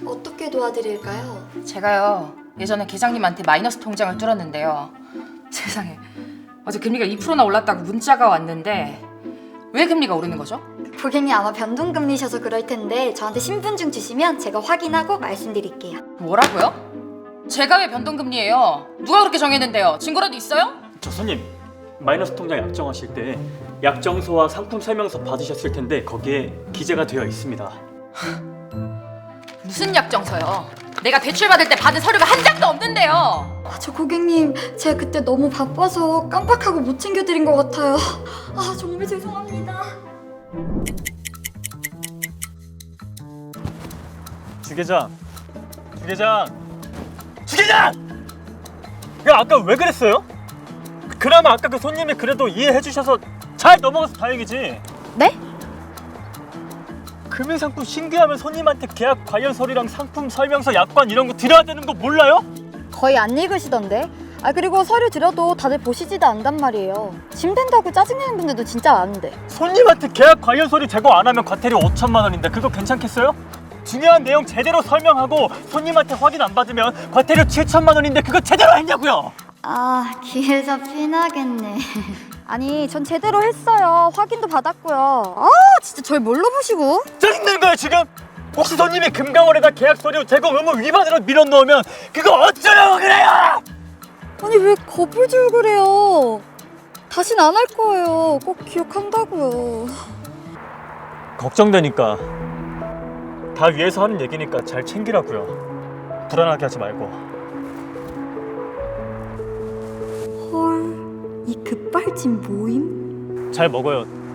어떻게 도와드릴까요? 제가요 예전에 계장님한테 마이너스 통장을 뚫었는데요. 세상에 어제 금리가 2%나 올랐다고 문자가 왔는데 왜 금리가 오르는 거죠? 고객님 아마 변동금리셔서 그럴 텐데 저한테 신분증 주시면 제가 확인하고 말씀드릴게요. 뭐라고요? 제가 왜 변동금리예요? 누가 그렇게 정했는데요? 증거라도 있어요? 저 손님, 마이너스 통장 약정하실 때 약정서와 상품 설명서 받으셨을 텐데 거기에 기재가 되어 있습니다. 무슨 약정서요? 내가 대출 받을 때 받은 서류가 한 장도 없는데요. 저 고객님 제가 그때 너무 바빠서 깜빡하고 못 챙겨드린 것 같아요. 정말 죄송합니다. 주계장! 야, 아까 왜 그랬어요? 그나마 아까 그 손님이 그래도 이해해 주셔서 잘 넘어가서 다행이지. 네? 금융상품 신규하면 손님한테 계약 관련 서류랑 상품 설명서, 약관 이런 거 드려야 되는 거 몰라요? 거의 안 읽으시던데? 그리고 서류 드려도 다들 보시지도 않단 말이에요. 짐 된다고 짜증내는 분들도 진짜 많은데. 손님한테 계약 관련 서류 제공 안 하면 과태료 5천만 원인데 그거 괜찮겠어요? 중요한 내용 제대로 설명하고 손님한테 확인 안 받으면 과태료 7천만 원인데 그거 제대로 했냐고요? 기회가 피나겠네. 아니, 전 제대로 했어요. 확인도 받았고요. 진짜 절 뭘로 보시고? 짜증내는 거야 지금? 혹시 손님이 금강원에다 계약 서류 제공 의무 위반으로 밀어넣으면 그거 어쩌려고 그래요? 아니, 왜 겁을 줄 그래요? 다신 안 할 거예요. 꼭 기억한다고요. 걱정되니까 다 위에서 하는 얘기니까 잘 챙기라고요. 불안하게 하지 말고. 헐, 이 급발진 모임? 잘 먹어요.